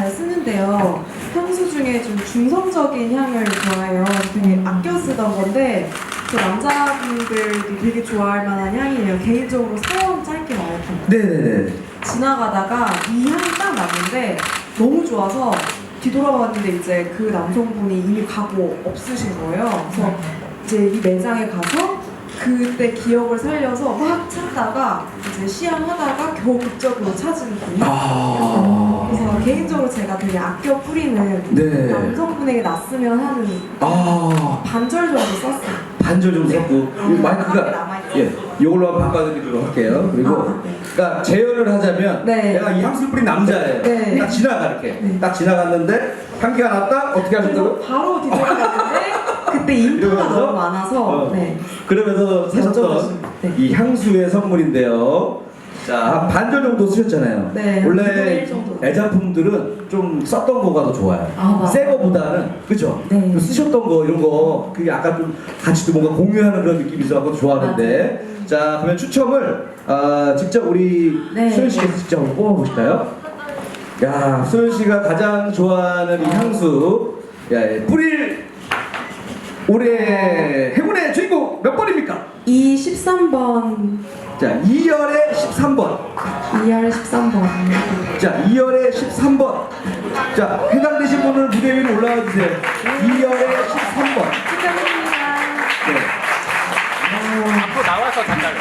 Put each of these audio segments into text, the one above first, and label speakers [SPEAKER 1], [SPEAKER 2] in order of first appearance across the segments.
[SPEAKER 1] 잘 쓰는데요. 향수 중에 좀 중성적인 향을 좋아해요. 되게 아껴 쓰던 건데 그 남자분들이 되게 좋아할 만한 향이에요. 개인적으로 사용 짧게 말했던 거.
[SPEAKER 2] 네네네.
[SPEAKER 1] 지나가다가 이 향이 딱 났는데 너무 좋아서 뒤돌아봤는데 이제 그 남성분이 이미 가고 없으신 거예요. 그래서 이제 이 매장에 가서 그때 기억을 살려서 막 찾다가 이제 시향하다가 겨우 극적으로 찾은 분이. 그래서 개인적으로 제가 되게 아껴 뿌리는
[SPEAKER 2] 네.
[SPEAKER 1] 남성분에게 났으면 하는 반절 정도 썼어요.
[SPEAKER 2] 반절 좀 섞고 마이크가
[SPEAKER 1] 남아있어요.
[SPEAKER 2] 예, 이걸로 한번 바꿔드리도록 할게요. 그리고
[SPEAKER 1] 네.
[SPEAKER 2] 그러니까 재현을 하자면
[SPEAKER 1] 네.
[SPEAKER 2] 내가 이 향수 뿌린 남자예요.
[SPEAKER 1] 네.
[SPEAKER 2] 딱 지나가 이렇게
[SPEAKER 1] 네.
[SPEAKER 2] 딱 지나갔는데 향기가 났다 어떻게
[SPEAKER 1] 그래서
[SPEAKER 2] 하셨다고?
[SPEAKER 1] 바로 뒤돌아봤는데 그때 인파가
[SPEAKER 2] 이러면서?
[SPEAKER 1] 너무 많아서 네.
[SPEAKER 2] 그러면서 사셨던
[SPEAKER 1] 네.
[SPEAKER 2] 이 향수의 선물인데요. 자, 한 반절 정도 쓰셨잖아요.
[SPEAKER 1] 네,
[SPEAKER 2] 원래
[SPEAKER 1] 2분의 1 정도.
[SPEAKER 2] 애작품들은 좀 썼던 거가 더 좋아요.
[SPEAKER 1] 맞아요.
[SPEAKER 2] 새 거보다는 그죠?
[SPEAKER 1] 네.
[SPEAKER 2] 좀 쓰셨던 거 이런 거 그게 약간 좀 같이 또 뭔가 공유하는 그런 느낌이 있어서 좋아하는데 자, 그러면 추첨을 직접 우리
[SPEAKER 1] 네.
[SPEAKER 2] 수현 씨께서 직접 한번 뽑아보실까요? 야, 수현 씨가 가장 좋아하는 이 향수 야, 뿌릴 올해 행운의 주인공 몇 번입니까?
[SPEAKER 1] 이 13번
[SPEAKER 2] 자, 2열의 13번.
[SPEAKER 1] 2열 13번
[SPEAKER 2] 자, 2열의 13번. 자, 해당되신 분은 무대 위로 올라와 주세요. 2열의 13번.
[SPEAKER 1] 축하드립니다.
[SPEAKER 2] 네.
[SPEAKER 3] 앞으로 나와서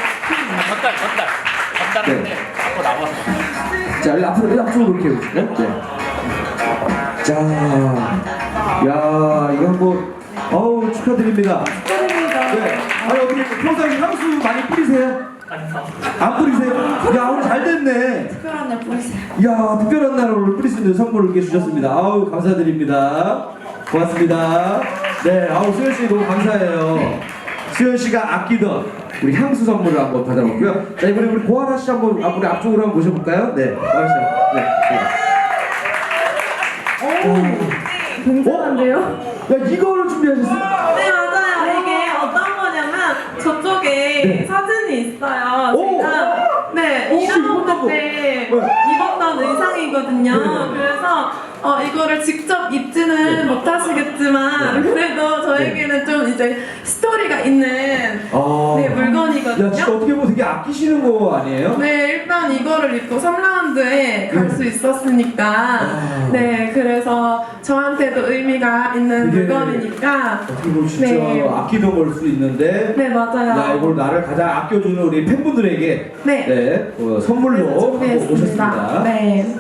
[SPEAKER 3] 전달하는데
[SPEAKER 2] 네.
[SPEAKER 3] 앞으로 나와서.
[SPEAKER 2] 자, 여기 앞으로 이렇게 해주세요. 네. 자, 야, 이거 한번, 어우, 축하드립니다.
[SPEAKER 1] 축하드립니다.
[SPEAKER 2] 네. 아니, 어떻게 평소에 향수 많이 뿌리세요? 안 뿌리세요? 야, 오늘 잘 됐네.
[SPEAKER 1] 특별한 날 보내세요.
[SPEAKER 2] 이야, 특별한 날 오늘 뿌릴 수 있는 선물을 이렇게 주셨습니다. 아우, 감사드립니다. 고맙습니다. 네, 아우, 수현 씨 너무 감사해요. 수현 씨가 아끼던 우리 향수 선물을 한번 받아볼고요. 자, 이번에 우리 고아라 씨 한번 우리 앞쪽으로 한번 모셔볼까요? 네, 고아라 씨. 네.
[SPEAKER 1] 굉장한데요?
[SPEAKER 2] 야, 이거를 준비하셨어요?
[SPEAKER 4] 네 맞아요. 이게 어떤 거냐면 저쪽에
[SPEAKER 2] 네.
[SPEAKER 4] 사진이 있어요.
[SPEAKER 2] 오!
[SPEAKER 4] 제가 네
[SPEAKER 2] 혹시 입었던
[SPEAKER 4] 일하는
[SPEAKER 2] 거?
[SPEAKER 4] 때
[SPEAKER 2] 네.
[SPEAKER 4] 입었던 의상이거든요.
[SPEAKER 2] 네.
[SPEAKER 4] 그래서 이거를 직접 입지는 못하시겠지만 그래도 저에게는 좀 이제 스토리가 있는
[SPEAKER 2] 아.
[SPEAKER 4] 네,
[SPEAKER 2] 야,
[SPEAKER 4] 물건이거든요.
[SPEAKER 2] 진짜 어떻게 보면 되게 아끼시는 거 아니에요?
[SPEAKER 4] 네, 일단 이거를 입고 3라운드에 갈 수 있었으니까
[SPEAKER 2] 아.
[SPEAKER 4] 네, 그래서 저한테도 의미가 있는
[SPEAKER 2] 이게
[SPEAKER 4] 물건이니까
[SPEAKER 2] 어떻게 보면 진짜
[SPEAKER 4] 네.
[SPEAKER 2] 아끼던 걸 수 있는데
[SPEAKER 4] 네, 맞아요.
[SPEAKER 2] 야, 이걸 나를 가장 아껴주는 우리 팬분들에게
[SPEAKER 4] 네.
[SPEAKER 2] 선물로 갖고
[SPEAKER 4] 준비했습니다.
[SPEAKER 2] 오셨습니다.
[SPEAKER 4] 네.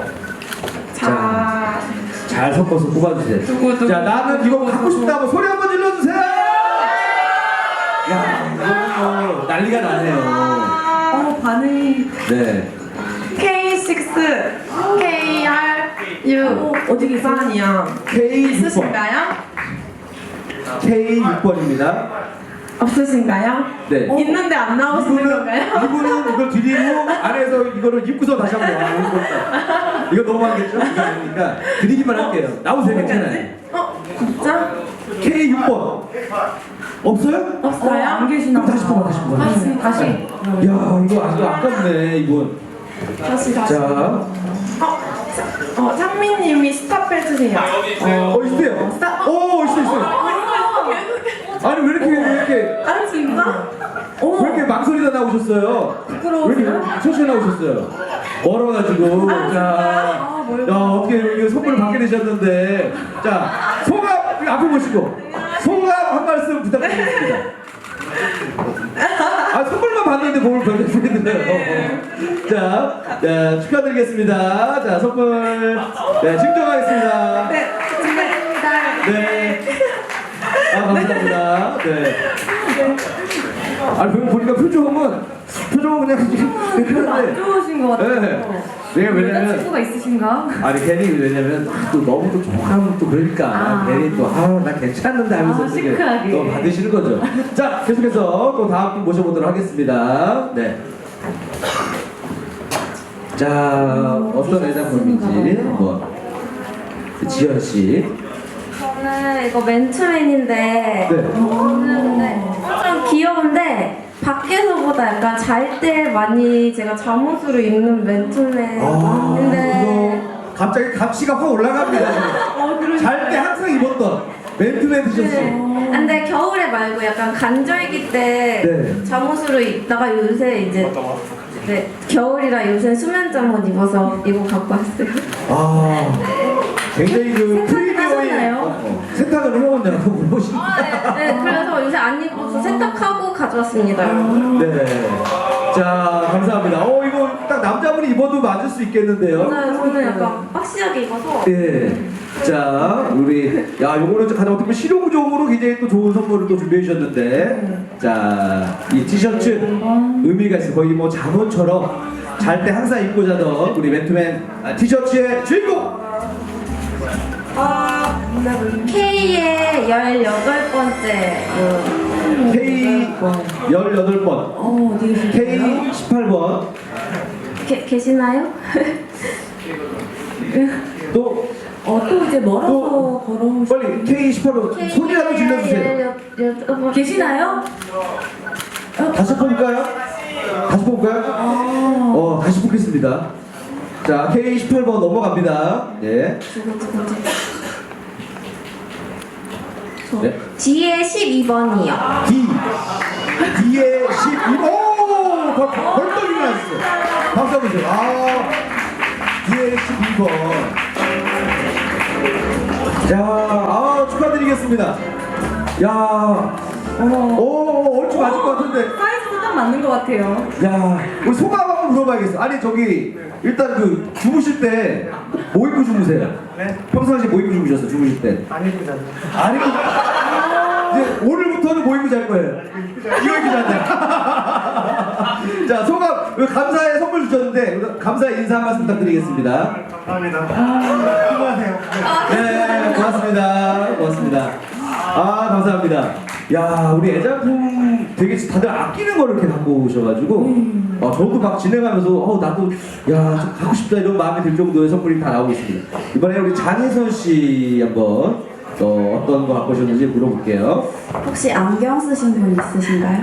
[SPEAKER 4] 자,
[SPEAKER 2] 잘 섞어서 뽑아주세요.
[SPEAKER 4] 누구,
[SPEAKER 2] 자, 나는 이거
[SPEAKER 4] 누구,
[SPEAKER 2] 갖고
[SPEAKER 4] 누구.
[SPEAKER 2] 싶다고 소리 한번 질러주세요! 야, 이거 뭐 난리가 나네요.
[SPEAKER 1] 반응이
[SPEAKER 2] 네.
[SPEAKER 4] K6 KRU
[SPEAKER 1] 어디 계세요?
[SPEAKER 4] 반이요.
[SPEAKER 2] K6번.
[SPEAKER 4] 있으신가요?
[SPEAKER 2] K6번입니다.
[SPEAKER 4] 없으신가요?
[SPEAKER 2] 네.
[SPEAKER 4] 있는데 안 나오시는 건가요?
[SPEAKER 2] 이분은 이걸 드리고 안에서 이거를 입고서 다시 한번 와보는 겁니다. 이거 너무하겠죠? 그러니까 드리기만 할게요. 나오세요, 괜찮아요.
[SPEAKER 4] 진짜?
[SPEAKER 2] K6번. 없어요?
[SPEAKER 4] 없어요?
[SPEAKER 1] 안 계시나
[SPEAKER 2] 그럼 다시 뽑아, 다시 뽑아.
[SPEAKER 4] 아, 진짜?
[SPEAKER 1] 다시.
[SPEAKER 2] 야, 이거 아깝네, 이분.
[SPEAKER 4] 다시.
[SPEAKER 2] 자,
[SPEAKER 4] 창민님이 스탑 해주세요.
[SPEAKER 2] 있어요.
[SPEAKER 4] 스탑.
[SPEAKER 2] 있어요. 아니, 왜 이렇게,
[SPEAKER 4] 아, 진짜?
[SPEAKER 2] 왜 이렇게 망설이다 나오셨어요? 왜 이렇게 천천히 나오셨어요? 멀어가지고. 자, 야, 어떻게 이거 선물을 받게 되셨는데. 자, 소감, 앞에 보시고. 소감 한 말씀 부탁드리겠습니다. 선물만 받는데 몸을 별로 소리드려요. 자, 축하드리겠습니다. 자, 선물. 네, 증정하겠습니다.
[SPEAKER 4] 네, 축하드립니다.
[SPEAKER 2] 네. 감사합니다. 네. 아니, 보니까 표정은 그냥
[SPEAKER 1] 별로 안 좋으신 것 같아요.
[SPEAKER 2] 네. 왜냐면
[SPEAKER 1] 여자친구가 있으신가?
[SPEAKER 2] 아니 괜히 왜냐면 또 너무 또 좋아하면 또 그러니까 괜히 또 나 괜찮은데 하면서 이렇게
[SPEAKER 1] 시크하게.
[SPEAKER 2] 또 받으시는 거죠. 자, 계속해서 또 다음 분 모셔보도록 하겠습니다. 네. 자, 어떤 애장품인지 한번 지현 씨.
[SPEAKER 5] 저는 이거 맨투맨인데
[SPEAKER 2] 네.
[SPEAKER 5] 좀 귀여운데 밖에서보다 약간 잘 때 많이 제가 잠옷으로 입는 맨투맨인데
[SPEAKER 2] 갑자기 값이가 확 올라갑니다. 잘 때 항상 입었던 맨투맨 티셔츠.
[SPEAKER 5] 근데 겨울에 말고 약간 간절기 때
[SPEAKER 2] 네.
[SPEAKER 5] 잠옷으로 입다가 요새 이제 네, 겨울이라 요새 수면 잠옷 입어서 이거 갖고 왔어요.
[SPEAKER 2] 아, 굉장히 그
[SPEAKER 5] 세탁은 하셨나요?
[SPEAKER 2] 세탁을 해오냐고 물어보시는.
[SPEAKER 5] 네, 그래서 요새 안 입어서 세탁하고 가져왔습니다.
[SPEAKER 2] 네. 자, 감사합니다. 이거 딱 남자분이 입어도 맞을 수 있겠는데요.
[SPEAKER 5] 저는 약간 박시하게 입어서
[SPEAKER 2] 예. 자, 요거는 가장 어떻게 보면 실용적으로 굉장히 또 좋은 선물을 또 준비해 주셨는데, 자, 이 티셔츠 의미가 있어요. 거의 뭐 잠옷처럼 잘 때 항상 입고 자던 우리 맨투맨 티셔츠의 주인공!
[SPEAKER 5] K의 18번째
[SPEAKER 2] K 18번,
[SPEAKER 1] 어디 계세요?
[SPEAKER 2] K 18번,
[SPEAKER 5] 계시나요?
[SPEAKER 2] 또
[SPEAKER 1] 또 이제 멀어서
[SPEAKER 2] 또
[SPEAKER 1] 걸어오시.
[SPEAKER 2] 빨리 K 18번 소리라도 질러주세요.
[SPEAKER 5] 계시나요?
[SPEAKER 2] 다시 뽑을까요? 다시 뽑을까요? 다시 뽑겠습니다. 자, K 18번 넘어갑니다. 예. 네.
[SPEAKER 5] D의 12번이요.
[SPEAKER 2] D의 12번. 벌떡 일어났어요. 박수 한번 주세요. D의 12번. 자, 축하드리겠습니다. 야, 얼추 맞을 것 같은데.
[SPEAKER 1] 사이즈도 딱 맞는 것 같아요.
[SPEAKER 2] 야, 우리 소감 한번 물어봐야겠어. 아니, 일단 주무실 때 뭐 입고 주무세요?
[SPEAKER 3] 네?
[SPEAKER 2] 평상시에 뭐 입고 주무셨어요? 주무실 때?
[SPEAKER 3] 안 입고 잤네.
[SPEAKER 2] 아니, 이제 오늘부터는 뭐 입고 잘 거예요? 이거 입고 잤네. 자, 소감, 감사의 선물 주셨는데, 감사의 인사 한 말씀 부탁드리겠습니다.
[SPEAKER 3] 감사합니다. 수고하세요.
[SPEAKER 2] 네, 고맙습니다. 감사합니다. 야, 우리 애장품 되게 다들 아끼는 거를 이렇게 갖고 오셔가지고, 저도 막 진행하면서, 나도, 좀 갖고 싶다 이런 마음이 들 정도의 선물이 다 나오고 있습니다. 이번에 우리 장혜선 씨 한번 어떤 거 갖고 오셨는지 물어볼게요.
[SPEAKER 5] 혹시 안경 쓰신 분 있으신가요?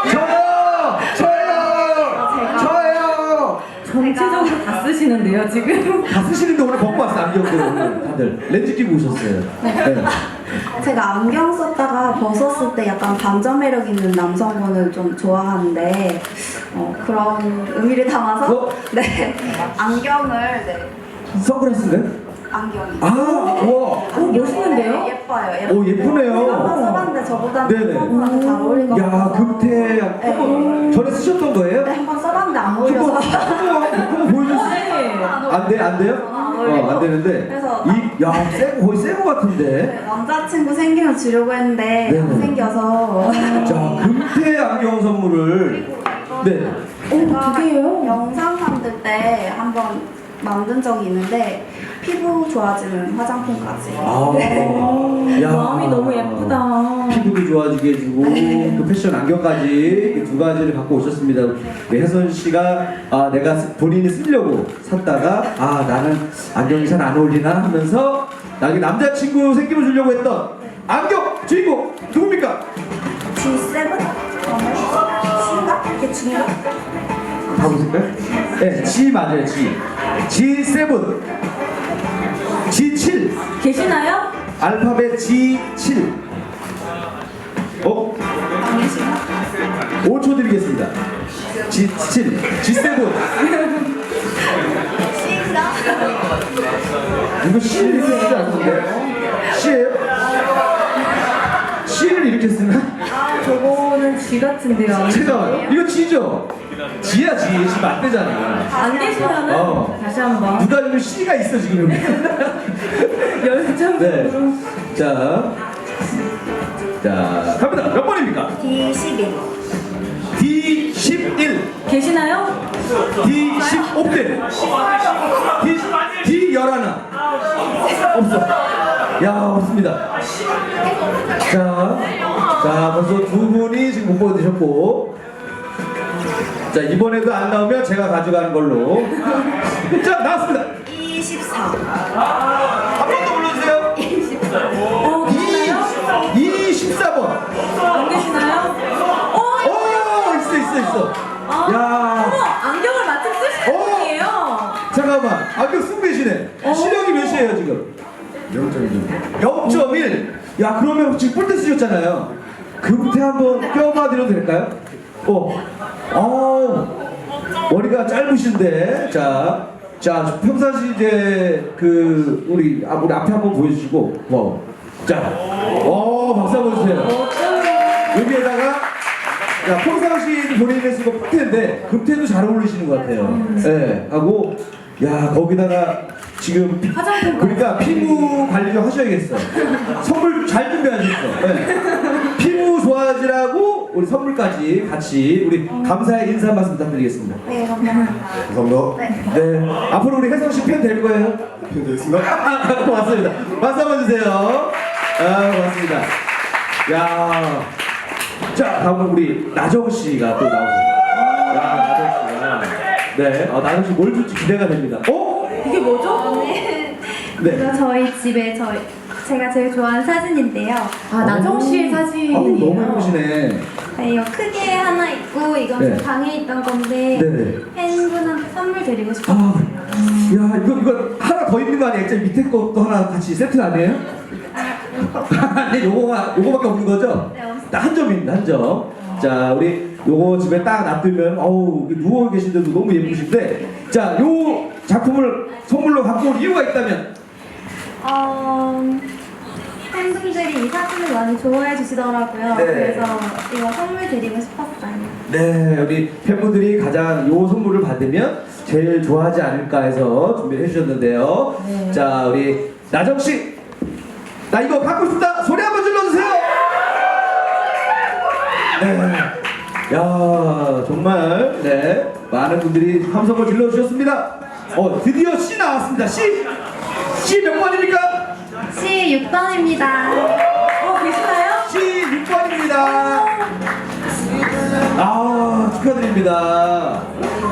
[SPEAKER 2] 저요!
[SPEAKER 1] 전체적으로 다 쓰시는데요, 지금.
[SPEAKER 2] 다 쓰시는데 오늘 벗고 왔어요, 안경도. 다들. 렌즈 끼고 오셨어요. 네.
[SPEAKER 6] 제가 안경 썼다가 벗었을 때 약간 반전 매력 있는 남성분을 좀 좋아하는데 그런 의미를 담아서 네 안경을
[SPEAKER 2] 선글라스인가요?
[SPEAKER 6] 안경이
[SPEAKER 2] 우와!
[SPEAKER 1] 멋있는데요?
[SPEAKER 6] 예뻐요.
[SPEAKER 2] 예쁘네요.
[SPEAKER 6] 한번 써봤는데 저보다는
[SPEAKER 2] 네네.
[SPEAKER 6] 선글라스 잘 어울린 것
[SPEAKER 2] 야,
[SPEAKER 6] 같아서
[SPEAKER 2] 금태 전에 쓰셨던 거예요?
[SPEAKER 6] 네, 한번 써봤는데 안
[SPEAKER 2] 한번
[SPEAKER 6] 어울려서
[SPEAKER 2] 보여줄 수 있어요? 안 돼요? 안 되는데
[SPEAKER 6] 그래서
[SPEAKER 2] 거의 새거 같은데.
[SPEAKER 6] 네, 남자친구 생기면 주려고 했는데
[SPEAKER 2] 네네.
[SPEAKER 6] 안 생겨서
[SPEAKER 2] 자, 금태 안경 선물을 네.
[SPEAKER 6] 제가
[SPEAKER 1] 두 개예요?
[SPEAKER 6] 영상 만들 때 한번 만든 적이 있는데 피부 좋아지는 화장품까지.
[SPEAKER 2] 야,
[SPEAKER 1] 마음이 너무 예쁘다.
[SPEAKER 2] 피부도 좋아지게 해주고 또 패션 안경까지 두 가지를 갖고 오셨습니다. 우리 혜선 씨가 내가 본인이 쓰려고 샀다가 나는 안경이 잘 안 어울리나 하면서 나중에 남자친구 생기면 주려고 했던 안경 주인공 누굽니까?
[SPEAKER 6] G7? C인가? 이게 G인가?
[SPEAKER 2] 가보실까요? 네, G 맞아요, G. G7, G7,
[SPEAKER 1] 계시나요?
[SPEAKER 2] 알파벳 G7. 5초 드리겠습니다. G7, G7.
[SPEAKER 6] C인가?
[SPEAKER 2] 이거 C를 이렇게 쓰지 않는데? C예요? C를 이렇게 쓰나?
[SPEAKER 1] 저거는 G 같은데요.
[SPEAKER 2] 잠깐만, 이거 G죠? G야, G. G 맞대잖아.
[SPEAKER 1] 안 계시면은 다시 한번
[SPEAKER 2] 누가 지금 C가 있어, 지금.
[SPEAKER 1] 열정적으로.
[SPEAKER 2] 네. 자, 갑니다. 몇 번입니까?
[SPEAKER 6] D11.
[SPEAKER 2] D11,
[SPEAKER 1] 계시나요?
[SPEAKER 2] D15대, D11. 없어. 야, 없습니다. 자, 벌써 두 분이 지금 못 보내주셨고. 자, 이번에도 안 나오면 제가 가져가는 걸로. 자, 나왔습니다.
[SPEAKER 6] 24.
[SPEAKER 2] 한 번 더 불러주세요.
[SPEAKER 1] 계시나요?
[SPEAKER 2] 24번.
[SPEAKER 1] 안 계시나요?
[SPEAKER 2] 있어.
[SPEAKER 1] 어머,
[SPEAKER 2] 야,
[SPEAKER 1] 안경을 마침 쓰시는 분이에요.
[SPEAKER 2] 잠깐만. 안경 쓰고 계시네. 시력이 몇이에요 지금? 0.1. 야 그러면 지금 뿔테 쓰셨잖아요. 그 뿔테 한번 껴봐 드려도 될까요? 머리가 짧으신데 자 평상시 이제 그 우리 앞에 한번 보여주시고 박수 한번 주세요. 여기에다가 평상시 본인이 쓰고 뿔테인데 금태도 잘 어울리시는 것 같아요. 네, 하고 거기다가 지금 그러니까 피부 관리 좀 하셔야겠어요. 선물 잘 준비하셨어. 네. 피부 좋아지라고 우리 선물까지 같이 우리 감사의 인사 말씀 부탁드리겠습니다.
[SPEAKER 6] 네, 감사합니다.
[SPEAKER 3] 감사합니다.
[SPEAKER 2] 네, 앞으로 우리 혜성 씨 팬 될 거예요.
[SPEAKER 3] 편 되겠습니다.
[SPEAKER 2] 고맙습니다. 박수 한번 주세요. 고맙습니다. 야, 자 다음은 우리 나정 씨가 또 나오세요. 나정 씨가 네, 나정 씨 뭘 줄지 기대가 됩니다.
[SPEAKER 1] 이게 뭐죠?
[SPEAKER 2] 네.
[SPEAKER 6] 이거 저희 집에 제가 제일 좋아하는 사진인데요.
[SPEAKER 1] 나정 씨의
[SPEAKER 2] 너무
[SPEAKER 1] 사진이에요.
[SPEAKER 2] 예쁘시네.
[SPEAKER 6] 네, 이거 크게 하나 있고 이건
[SPEAKER 2] 네.
[SPEAKER 6] 제 방에 있던 건데
[SPEAKER 2] 네네.
[SPEAKER 6] 팬분한테 선물 드리고 싶어요.
[SPEAKER 2] 야 이거 하나 더 있는 거 아니에요? 액자 밑에 것도 하나 같이 세트 아니에요? 네, 요거밖에 없는 거죠?
[SPEAKER 6] 네, 없어요.
[SPEAKER 2] 한 점입니다, 한 점. 자, 우리 요거 집에 딱 놔두면 누워 계신데도 너무 예쁘신데, 자, 요 작품을 선물로 갖고 올 이유가 있다면?
[SPEAKER 6] 팬분들이 이 사진을 많이 좋아해 주시더라고요.
[SPEAKER 2] 네.
[SPEAKER 6] 그래서 이거 선물 드리고 싶었어요.
[SPEAKER 2] 네, 우리 팬분들이 가장 요 선물을 받으면 제일 좋아하지 않을까 해서 준비를 해주셨는데요.
[SPEAKER 1] 네.
[SPEAKER 2] 자, 우리 나정씨, 나 이거 갖고 싶다! 소리 한번 질러주세요! 네. 야, 정말, 네. 많은 분들이 함성을 질러주셨습니다. 드디어 C 나왔습니다. C 몇 번입니까?
[SPEAKER 6] C 6번입니다.
[SPEAKER 1] 계시나요?
[SPEAKER 2] C 6번입니다. 축하드립니다.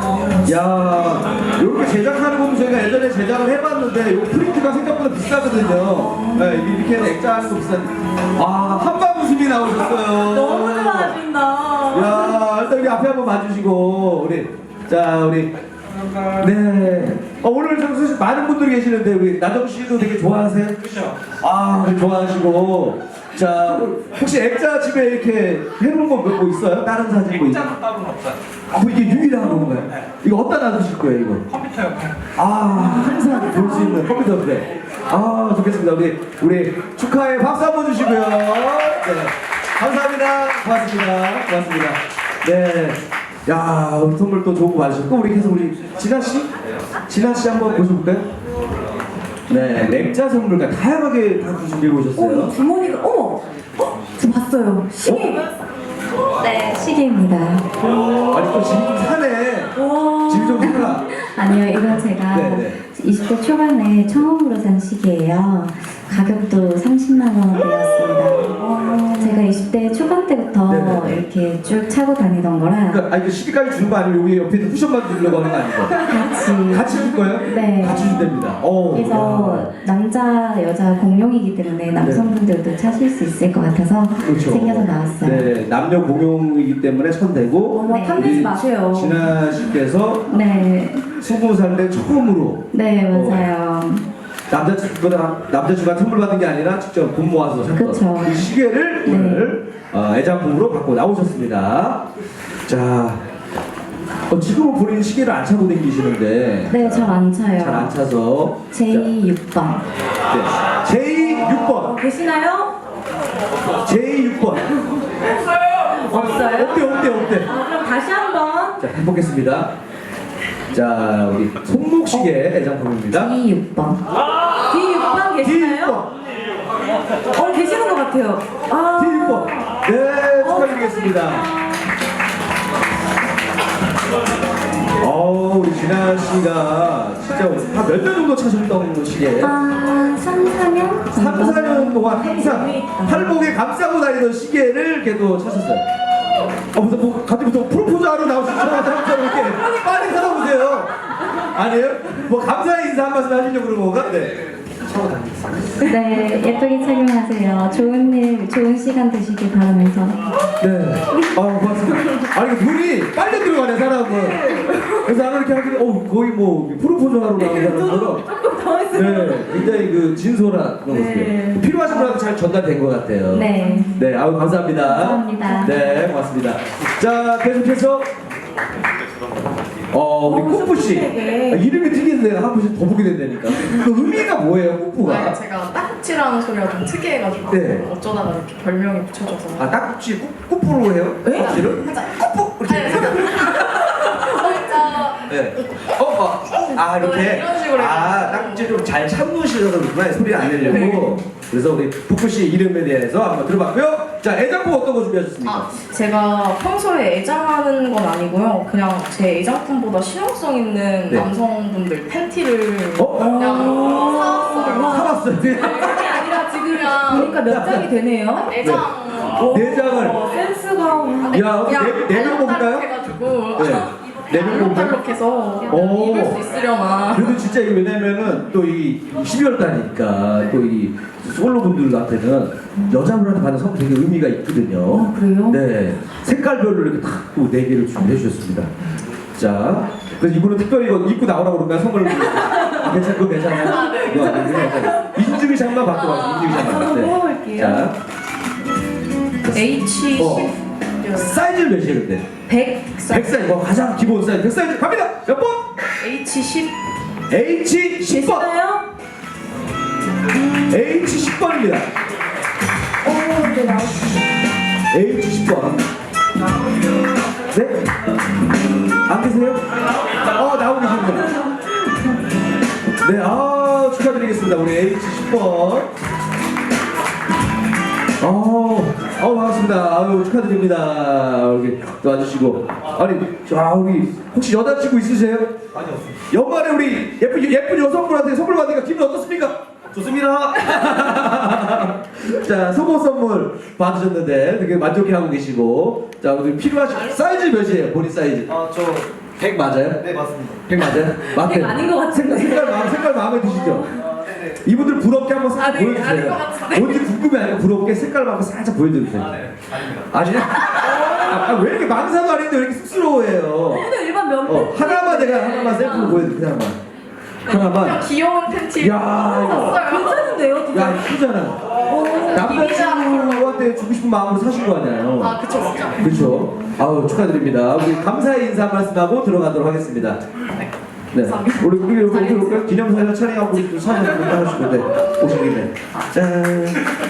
[SPEAKER 2] 야, 이렇게 제작하는 거 저희가 예전에 제작을 해봤는데 이 프린트가 생각보다 비싸거든요. 네, 이렇게 액자하는 거 비싼데. 한방 웃음이 나오셨어요.
[SPEAKER 1] 너무 좋아하신다.
[SPEAKER 2] 야, 일단 우리 앞에 한번 봐주시고 우리 네. 오늘 사실 많은 분들이 계시는데 우리 나정 씨도 되게 좋아하세요? 그렇죠. 좋아하시고 자 혹시 액자 집에 이렇게 해놓은 거 뭐 있어요? 다른 사진 뭐
[SPEAKER 3] 액자는 따로는 없어요.
[SPEAKER 2] 이게 유일한 건가요? 이거 어디다 놔두실 거예요 이거?
[SPEAKER 3] 컴퓨터 옆에.
[SPEAKER 2] 항상 볼 수 있는 컴퓨터 옆에. 좋겠습니다. 우리 축하해 박수 한번 주시고요. 네. 감사합니다. 고맙습니다. 네. 야, 우리 선물 또 좋은 거 많으셨고 우리 계속 우리 진아 씨 한번 보셔볼까요? 네, 액자 선물과 다양하게 다 준비해 오셨어요.
[SPEAKER 1] 주머니가 저 봤어요. 시계.
[SPEAKER 6] 네,
[SPEAKER 5] 시계입니다.
[SPEAKER 2] 아니 또 집이 좀 사네. 집이 좀 사라.
[SPEAKER 5] 아니요, 이거 제가
[SPEAKER 2] 네네.
[SPEAKER 5] 20대 초반에 처음으로 산 시계예요. 가격도 30만 원대였습니다. 제가 20대 초반 때부터
[SPEAKER 2] 네네.
[SPEAKER 5] 이렇게 쭉 차고 다니던 거라
[SPEAKER 2] 그러니까 이거 시계까지 주는 거 아니고 여기 옆에 있는 쿠션만 주려고 하는 거 아니고? 같이 줄 거예요?
[SPEAKER 5] 네.
[SPEAKER 2] 같이 준답니다.
[SPEAKER 5] 그래서 남자 여자 공용이기 때문에 남성분들도 차실 수 있을 것 같아서
[SPEAKER 2] 그렇죠.
[SPEAKER 5] 생겨서 나왔어요.
[SPEAKER 2] 네, 남녀 공용이기 때문에 천대고.
[SPEAKER 5] 네.
[SPEAKER 1] 탐내지 마세요.
[SPEAKER 2] 진아 씨께서
[SPEAKER 5] 네,
[SPEAKER 2] 20살 때 처음으로
[SPEAKER 5] 네 맞아요.
[SPEAKER 2] 남자친구가 선물 받은 게 아니라 직접 돈 모아서 샀던
[SPEAKER 5] 그쵸.
[SPEAKER 2] 그 시계를
[SPEAKER 5] 네.
[SPEAKER 2] 오늘 애장품으로 갖고 나오셨습니다. 자, 지금은 본인 시계를 안 차고 다니시는데
[SPEAKER 5] 네, 잘 안 차요.
[SPEAKER 2] 잘 안 차서
[SPEAKER 5] J6번.
[SPEAKER 2] J6번
[SPEAKER 1] 계시나요?
[SPEAKER 2] J6번
[SPEAKER 1] 없어요?
[SPEAKER 2] 어때?
[SPEAKER 1] 그럼 다시 한번.
[SPEAKER 2] 자, 해보겠습니다. 자, 우리 손목시계 애장품입니다.
[SPEAKER 5] D6번.
[SPEAKER 1] D6번 계시나요?
[SPEAKER 2] D6번
[SPEAKER 1] 계시는 것 같아요.
[SPEAKER 2] D6번 네, 축하드리겠습니다. 우리 진아 씨가 진짜 한 몇 년 정도 차셨던 시계?
[SPEAKER 5] 3, 4년?
[SPEAKER 2] 3, 4년 동안 항상 팔목에 감싸고 다니던 시계를 걔도 차셨어요. 갑자기 프로포즈하러 나오시자마자 항상 이렇게 빨리 찾아보세요. 아니에요? 감사의 인사 한 말씀 하시려고 그런 건가? 네. 차고 다니겠습니다.
[SPEAKER 5] 네, 예쁘게 착용하세요. 좋은 일, 좋은 시간 되시길 바라면서.
[SPEAKER 2] 네. 고맙습니다. 눈이 빨려 들어가네, 사람은. 그래서 나는 이렇게 하길래 거의 뭐 프로포즈 하러 나온 사람처럼
[SPEAKER 1] 조금 당했어요.
[SPEAKER 2] 네, 굉장히 그 진솔한 그런 모습이에요. 필요하신 분한테 잘 전달된 것 같아요.
[SPEAKER 5] 네.
[SPEAKER 2] 네, 아유 감사합니다.
[SPEAKER 5] 감사합니다.
[SPEAKER 2] 네, 고맙습니다. 자, 계속해서 우리 꾸뿌 씨 이름이 특이한데 한 번씩 더 보게 된다니까. 그 의미가 뭐예요, 꾸뿌가?
[SPEAKER 4] 제가 딱지라는 소리가 좀 특이해가지고
[SPEAKER 2] 네.
[SPEAKER 4] 어쩌다가 이렇게 별명이 붙여져서.
[SPEAKER 2] 아, 딱지 꾸뿌로 해요? 딱지를? 꾸뿌 이렇게. 네. 이렇게.
[SPEAKER 4] 이런 식으로
[SPEAKER 2] 딱지 좀 잘 참으시려서 그렇구나. 소리 안 내려고. 그래서 우리 꾸뿌 씨 이름에 대해서 한번 들어봤고요. 자, 애장품 어떤 거 준비하셨습니까?
[SPEAKER 4] 제가 평소에 애장하는 건 아니고요. 그냥 제 애장품보다 실용성 있는
[SPEAKER 2] 네.
[SPEAKER 4] 남성분들 팬티를
[SPEAKER 2] 그냥
[SPEAKER 4] 사왔어요.
[SPEAKER 2] 사봤어요.
[SPEAKER 1] 그게 아니라 지금 보니까 몇 장이 되네요.
[SPEAKER 4] 애장.
[SPEAKER 2] 네 장을.
[SPEAKER 1] 센스가.
[SPEAKER 2] 야, 네명 뽑을까요?
[SPEAKER 4] 해가지고
[SPEAKER 2] 네. 네명 뽑을까요?
[SPEAKER 4] 알록달록해서
[SPEAKER 2] 오.
[SPEAKER 4] 입을 수 있으려나.
[SPEAKER 2] 그래도 진짜 이게 왜냐면은 또 이 12월 달이니까 또 이 솔로분들한테는 여자분한테 받는 선물 되게 의미가 있거든요.
[SPEAKER 1] 그래요?
[SPEAKER 2] 네. 색깔별로 이렇게 딱 또 4개를 준비해 주셨습니다. 자, 그래서 이분은 특별히 이거 입고 나오라고 그런가 선물을 괜찮고 괜찮아요?
[SPEAKER 4] 네.
[SPEAKER 2] 이거 괜찮아요. 인증샷만 받고 와서 인증샷만.
[SPEAKER 1] 한번 뽑아볼게요.
[SPEAKER 2] 자,
[SPEAKER 4] H10
[SPEAKER 2] 사이즈는 몇이에요 근데?
[SPEAKER 4] 100
[SPEAKER 2] 100사이즈, 가장 기본 사이즈 100사이즈 갑니다! 몇 번?
[SPEAKER 4] H10
[SPEAKER 2] H10번!
[SPEAKER 1] 계시나요?
[SPEAKER 2] H10번입니다.
[SPEAKER 1] 네, 나왔습니다.
[SPEAKER 2] H10번. 네? 안 계세요? 나오고 계십니다. 네, 축하드리겠습니다. 우리 H10번. 반갑습니다. 아유, 축하드립니다. 여기 또 와주시고. 아니, 우리, 혹시 여자친구 있으세요? 아니요. 연말에 우리 예쁜 여성분한테 선물 받으니까 기분 어떻습니까? 좋습니다. 자, 속옷 선물 받으셨는데 되게 만족해하고 계시고. 자, 우리 필요하신 사이즈 몇이에요? 본인 사이즈?
[SPEAKER 3] 저
[SPEAKER 2] 100 맞아요?
[SPEAKER 3] 네, 맞습니다.
[SPEAKER 2] 100 맞아요? 맞대요.
[SPEAKER 1] 100 아닌 것 같은데.
[SPEAKER 2] 색깔 마음에 드시죠? 이분들 부럽게 한번 살짝
[SPEAKER 4] 아닌 것
[SPEAKER 2] 보여주세요.
[SPEAKER 4] 같은데.
[SPEAKER 2] 뭔지 궁금해요. 부럽게 색깔만 한번 살짝 보여주세요.
[SPEAKER 3] 네, 아닙니다.
[SPEAKER 2] 아니야? 왜 이렇게 망사도 아닌데 왜 이렇게 쑥스러워해요?
[SPEAKER 1] 근데 일반 면
[SPEAKER 2] 하나만 샘플로 보여드릴게요. 하나만.
[SPEAKER 4] 귀여운 팬티
[SPEAKER 2] 야,
[SPEAKER 1] 괜찮은데요? 진짜?
[SPEAKER 2] 야, 이쁘잖아. 남자친구한테 주고 싶은 마음으로 사신 거 아니에요?
[SPEAKER 4] 그쵸.
[SPEAKER 2] 그렇죠. 아우, 축하드립니다. 우리 감사의 인사 말씀하고 들어가도록 하겠습니다. 네. 우리 기념사진 촬영하고 사진 하시는데 오신 김에 짠.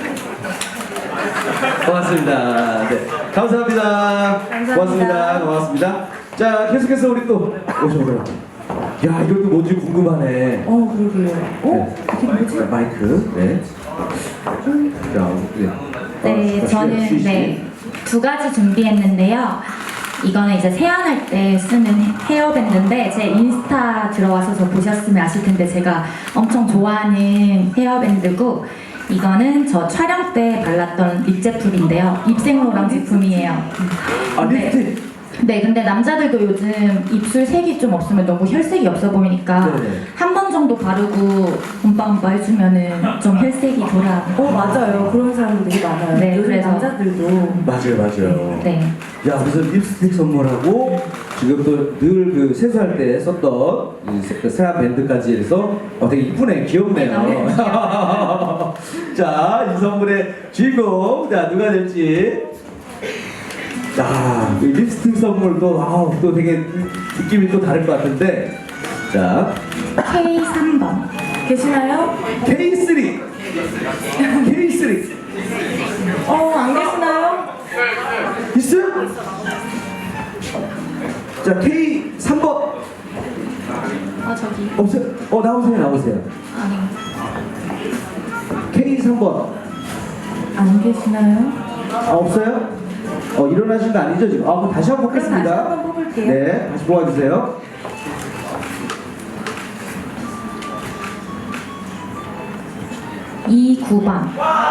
[SPEAKER 2] 고맙습니다. 네. 감사합니다. 고맙습니다. 고맙습니다. 자, 계속해서 우리 또 오셔보세요. 야, 이것도 뭔지 궁금하네.
[SPEAKER 1] 그러게요.
[SPEAKER 2] 이게 뭐지? 마이크. 네. 자,
[SPEAKER 5] 네, 저는 네, 2가지 준비했는데요. 이거는 이제 세안할 때 쓰는 헤어밴드인데 제 인스타 들어와서 저 보셨으면 아실 텐데 제가 엄청 좋아하는 헤어밴드고 이거는 저 촬영 때 발랐던 립 제품인데요. 입생로랑 제품이에요.
[SPEAKER 2] 립스틱.
[SPEAKER 5] 네, 근데 남자들도 요즘 입술 색이 좀 없으면 너무 혈색이 없어 보이니까
[SPEAKER 2] 네네.
[SPEAKER 5] 한 번 정도 바르고 엄빠 해주면은 좀 혈색이 돌아.
[SPEAKER 1] 맞아요. 그런 사람들 되게 많아요.
[SPEAKER 5] 네,
[SPEAKER 1] 요즘
[SPEAKER 5] 그래서.
[SPEAKER 1] 남자들도.
[SPEAKER 2] 맞아요.
[SPEAKER 5] 네.
[SPEAKER 2] 야, 그래서 립스틱 선물하고 지금 또 늘 그 세수할 때 썼던 그 세안 밴드까지 해서 되게 이쁘네, 귀엽네요. 자, 이 선물의 주인공, 자, 누가 될지. 자, 이 립스틱 선물도 또 되게 느낌이 또 다를 것 같은데. 자,
[SPEAKER 5] K3번.
[SPEAKER 1] 계시나요?
[SPEAKER 2] K3. K3.
[SPEAKER 1] 안 계시나요?
[SPEAKER 2] 있어요? 자, K3번.
[SPEAKER 5] 저기.
[SPEAKER 2] 없어요? 나오세요.
[SPEAKER 5] 아니.
[SPEAKER 2] K3번.
[SPEAKER 1] 안 계시나요?
[SPEAKER 2] 없어요? 일어나신 거 아니죠, 지금? 그럼 다시 한번
[SPEAKER 1] 그럼 다시
[SPEAKER 2] 뽑겠습니다.
[SPEAKER 1] 한번 뽑을게요.
[SPEAKER 2] 네, 다시 뽑아주세요.
[SPEAKER 5] 이 9번.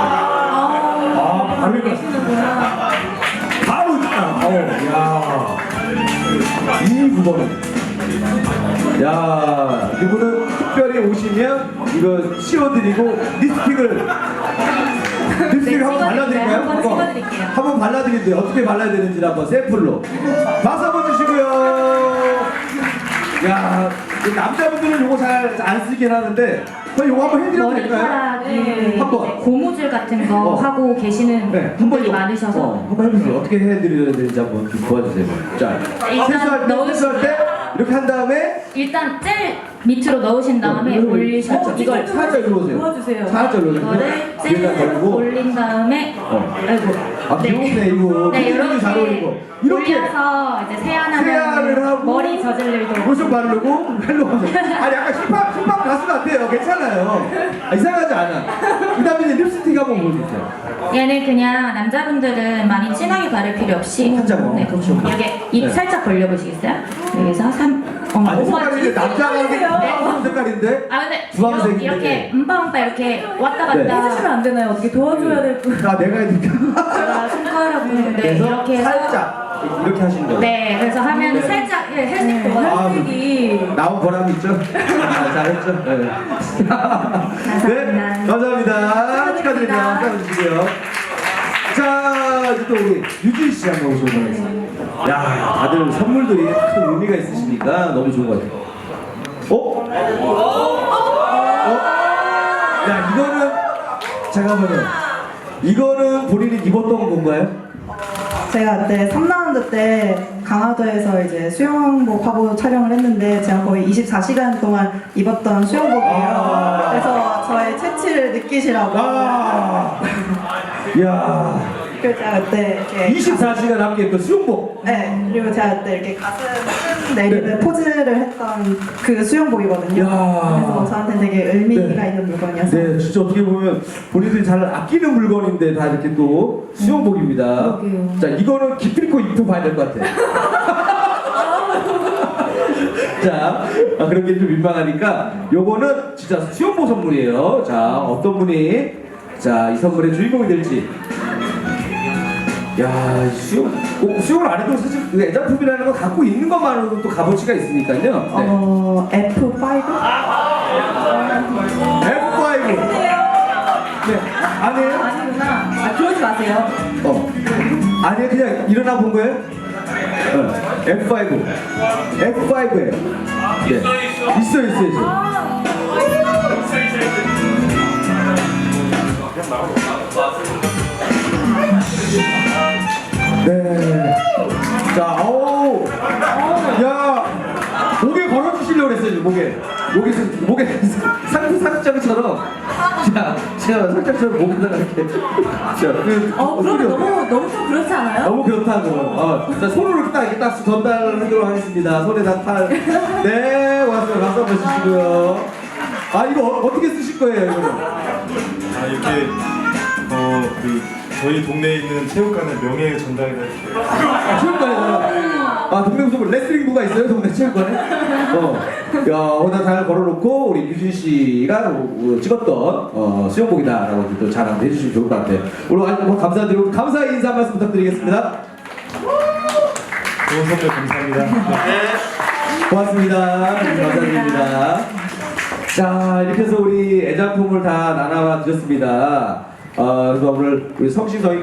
[SPEAKER 2] 바로
[SPEAKER 1] 계시는구나.
[SPEAKER 2] 바로 야. 2, 9번. 야, 이분은 특별히 오시면 이거 씌워드리고 립스틱을 한번 발라드릴까요?
[SPEAKER 5] 한번 찍어드릴게요.
[SPEAKER 2] 한번 발라드릴게요. 어떻게 발라야 되는지 한번 샘플로 박수 한번 주시고요. 야, 남자분들은 요거 잘 안 쓰긴 하는데, 그럼 요거 한번 해드려도 될까요?
[SPEAKER 5] 머리카락이
[SPEAKER 2] 한번.
[SPEAKER 5] 고무줄 같은 거
[SPEAKER 2] 어.
[SPEAKER 5] 하고 계시는
[SPEAKER 2] 네,
[SPEAKER 5] 분들이 많으셔서
[SPEAKER 2] 한번 해보세요. 어떻게 해드려야 되는지 한번 좀 도와주세요. 자,
[SPEAKER 5] 일단
[SPEAKER 2] 세수할 때 이렇게 한 다음에
[SPEAKER 5] 일단 젤 밑으로 넣으신 다음에
[SPEAKER 2] 이걸
[SPEAKER 5] 올리셔 이걸
[SPEAKER 2] 살짝 일로 오세요.
[SPEAKER 1] 도와주세요.
[SPEAKER 2] 살짝 일로 오세요.
[SPEAKER 5] 이거를
[SPEAKER 2] 위에다
[SPEAKER 5] 젤을
[SPEAKER 2] 걸고.
[SPEAKER 5] 올린 다음에 아이고
[SPEAKER 2] 아, 귀엽네 이거.
[SPEAKER 5] 네
[SPEAKER 2] 이렇게 잘 어울리고. 이렇게
[SPEAKER 5] 올려서 이제
[SPEAKER 2] 세안을
[SPEAKER 5] 세안하면
[SPEAKER 2] 하고
[SPEAKER 5] 머리 저질 일도
[SPEAKER 2] 로션 바르고 헬로 하세요. 아니 약간 힙합 가수 같아요. 괜찮아요. 아, 이상하지 않아. 그다음에 이제 립스틱 한번 보여주세요.
[SPEAKER 5] 얘는 그냥 남자분들은 많이 진하게 바를 필요 없이
[SPEAKER 2] 한 장만.
[SPEAKER 5] 네.
[SPEAKER 2] 그렇죠.
[SPEAKER 5] 이렇게 입
[SPEAKER 2] 네.
[SPEAKER 5] 살짝 벌려보시겠어요? 여기서
[SPEAKER 2] 아니 색깔이 남자가 무슨 색깔인데?
[SPEAKER 5] 아 근데
[SPEAKER 2] 주황색인데.
[SPEAKER 5] 이렇게 음파음파 이렇게 왔다
[SPEAKER 2] 네.
[SPEAKER 5] 갔다
[SPEAKER 1] 해주시면 안 되나요? 어떻게 도와줘야 될 분.
[SPEAKER 2] 아 내가 해야 되니까.
[SPEAKER 5] 제가 손가락으로 네,
[SPEAKER 2] 그래서
[SPEAKER 5] 이렇게 해서
[SPEAKER 2] 살짝 이렇게 하시는 거예요.
[SPEAKER 5] 네 그래서 하면
[SPEAKER 2] 네.
[SPEAKER 5] 살짝 헬스틱도
[SPEAKER 2] 아,
[SPEAKER 1] 헬스틱이
[SPEAKER 2] 나온 보람이 있죠? 아, 잘했죠? 네. 네, 감사합니다. 축하드립니다. 축하드리고요. 자, 이제 또 우리 유진 씨 한번 오시도록 하겠습니다. 야, 다들 선물들이 큰 의미가 있으시니까 너무 좋은 것 같아요. 어? 야, 이거는 잠깐만요. 이거는 본인이 입었던 건가요?
[SPEAKER 7] 제가 그때 3라운드 때 강화도에서 이제 수영복 하고 촬영을 했는데 제가 거의 24시간 동안 입었던 수영복이에요.
[SPEAKER 2] 아.
[SPEAKER 7] 그래서 저의 체취를 느끼시라고.
[SPEAKER 2] 아, 야,
[SPEAKER 7] 그래서 제가 그때 이렇게
[SPEAKER 2] 24시간 함께 했던 수영복.
[SPEAKER 7] 네, 그리고 제가 그때 이렇게 가슴 내리는 포즈를 했던 그 수영복이거든요.
[SPEAKER 2] 야.
[SPEAKER 7] 그래서 저한테 되게 의미가
[SPEAKER 2] 네.
[SPEAKER 7] 있는 물건이었어요.
[SPEAKER 2] 네, 진짜 어떻게 보면 본인들이 잘 아끼는 물건인데 다 이렇게 또 수영복입니다.
[SPEAKER 1] 그러게요.
[SPEAKER 2] 자, 이거는 기필코 입혀봐야 될 것 같아. 자, 그런 게 좀 민망하니까 요거는 진짜 수영복 선물이에요. 자, 어떤 분이 자, 이 선물의 주인공이 될지. 야, 수영을 안 해도 사실 그 애장품이라는 거 갖고 있는 것만으로도 또 값어치가 있으니까요. 네.
[SPEAKER 7] F5?
[SPEAKER 2] F5. 네, 아니에요?
[SPEAKER 1] 아니구나. 아, 그러지 마세요.
[SPEAKER 2] 아니에요, 그냥 일어나 본 거예요? F5. F5예요. 네. 있어요. 네. 자, 야, 목에 걸어주시려고 그랬어요, 목에 상장처럼. 자, 제가 상장처럼 목에다가 이렇게. 자,
[SPEAKER 1] 그러면 너무 좀 그렇지 않아요?
[SPEAKER 2] 너무 그렇다고. 자, 손으로 이렇게 딱 전달하도록 하겠습니다. 손에다 팔. 네, 고맙습니다. 박수 한번 주시고요. 아, 이거 어떻게 쓰실 거예요, 이거는?
[SPEAKER 3] 아 이렇게 저희 동네에 있는 체육관의 명예 전달해드릴게요.
[SPEAKER 2] 체육관에서 동네 무슨 레슬링부가 있어요? 동네 체육관에? 야, 오늘 잘 걸어놓고 우리 유진 씨가 찍었던 수영복이다라고 또 자랑 해주시면 좋을 것 같아요. 오늘 아주 감사드리고 감사의 인사 한 말씀 부탁드리겠습니다.
[SPEAKER 3] 좋은 선물 감사합니다.
[SPEAKER 2] 고맙습니다. 감사드립니다. 자, 이렇게 해서 우리 애장품을 다 나눠 드렸습니다. 그래서 오늘 우리 성심성의